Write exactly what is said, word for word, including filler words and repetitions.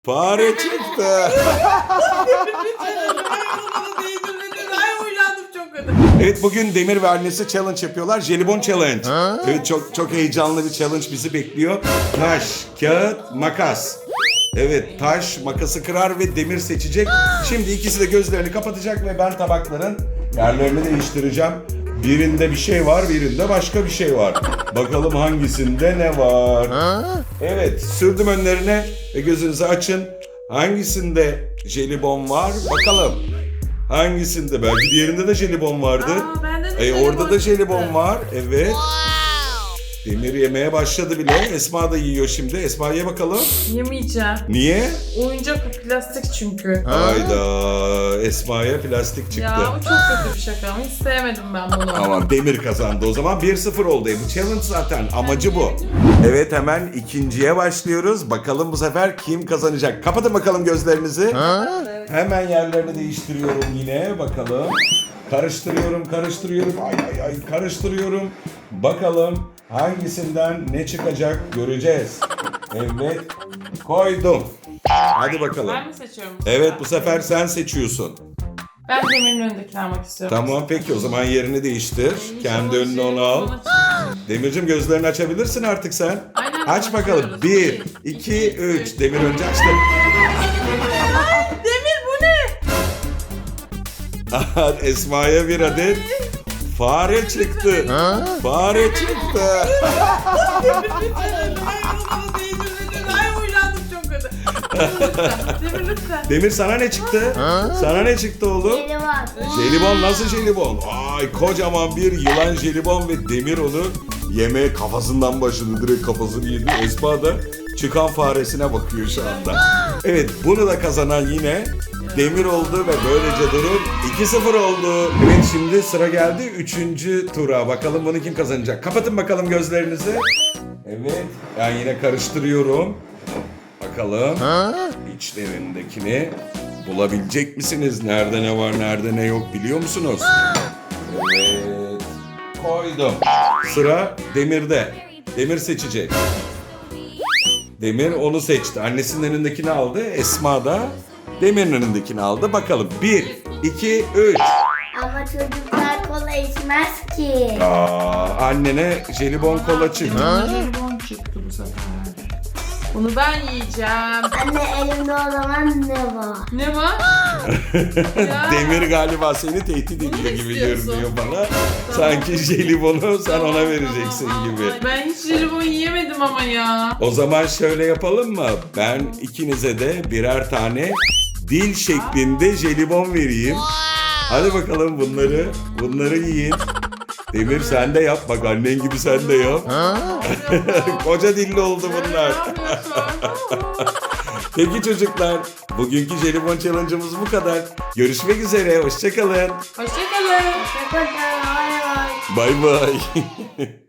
Fare çıktı. Ay uylandım çok kötü. Evet, bugün Demir ve annesi challenge yapıyorlar. Jelibon challenge. Evet, çok çok heyecanlı bir challenge bizi bekliyor. Taş, kağıt, makas. Evet, taş makası kırar ve Demir seçecek. Şimdi ikisi de gözlerini kapatacak ve ben tabakların yerlerini değiştireceğim. Birinde bir şey var, birinde başka bir şey var. Bakalım hangisinde ne var? Evet, sürdüm önlerine ve gözünüzü açın. Hangisinde jelibon var? Bakalım. Hangisinde? Belki diğerinde de jelibon vardı. Aa, bende de E, jelibon orada da jelibon çıktı. var. Evet. Demir yemeye başladı bile. Esma da yiyor şimdi. Esma ye bakalım. Yemeyeceğim. Niye? Oyuncak bu, plastik çünkü. Hayda. Esma'ya plastik çıktı. Ya o çok kötü bir şaka ama hiç sevmedim ben bunu. Ama Demir kazandı. O zaman bir sıfır oldu. E, bu challenge zaten. Amacı bu. Evet, hemen ikinciye başlıyoruz. Bakalım bu sefer kim kazanacak? Kapatın bakalım gözlerinizi. Evet. Hemen yerlerini değiştiriyorum yine. Bakalım. Karıştırıyorum, karıştırıyorum. Ay ay ay karıştırıyorum. Bakalım hangisinden ne çıkacak göreceğiz. Evet. Koydum. Hadi bakalım. Ben mi seçiyorum? Evet, bu sefer sen seçiyorsun. Ben Demir'in önündekini almak istiyorum. Tamam, peki o zaman yerini değiştir. Kendi önüne onu al. Demircim, gözlerini açabilirsin artık sen. Aynen, Aç bakalım. açıyoruz. Bir, Bir, iki, iki, üç. üç. Demir önce açtı. Demir bu ne? Aha, Esma'ya bir adet fare çıktı. Fare çıktı. Ay uylandım çok kötü. Demir lütfen. Demir lütfen. Demir, sana ne çıktı? Sana ne çıktı oğlum? Jelibon. Jelibon, nasıl jelibon? Ay, kocaman bir yılan jelibon ve Demir onu yemeye kafasından başladı. Direkt kafasını yedi. Esma da çıkan faresine bakıyor şu anda. Evet, bunu da kazanan yine Demir oldu ve böylece durum iki sıfır oldu. Evet, şimdi sıra geldi üçüncü tura. Bakalım bunu kim kazanacak? Kapatın bakalım gözlerinizi. Evet, ben yine karıştırıyorum. Bakalım içlerindekini bulabilecek misiniz? Nerede ne var, nerede ne yok biliyor musunuz? Evet, koydum. Sıra Demir'de. Demir seçecek. Demir onu seçti. Annesinin önündekini aldı. Esma da Demir'in önündekini aldı. Bakalım. Bir, iki, üç. Ama çocuklar kola içmez ki. Aa, annene jelibon kola çıktı. Bana jelibon çıktı bu sefer. Bunu ben yiyeceğim. Anne elimde o zaman ne var? Ne var? Ya. Demir galiba seni tehdit ediyor Bunu gibi istiyorsun. görünüyor bana. Sanki jelibonu sen Tamam, ona vereceksin tamam. gibi. Ay, ben hiç jelibon yiyemedim ama ya. O zaman şöyle yapalım mı? Ben ikinize de birer tane dil şeklinde jelibon vereyim. Hadi bakalım bunları, bunları yiyin. Demir, sen de yap. Bak, annen gibi sen de yap. Koca dilli oldu bunlar. Peki çocuklar, bugünkü jelibon challenge'ımız bu kadar. Görüşmek üzere, hoşçakalın. Hoşçakalın. Hoşçakalın. Bay bay. Bay bay.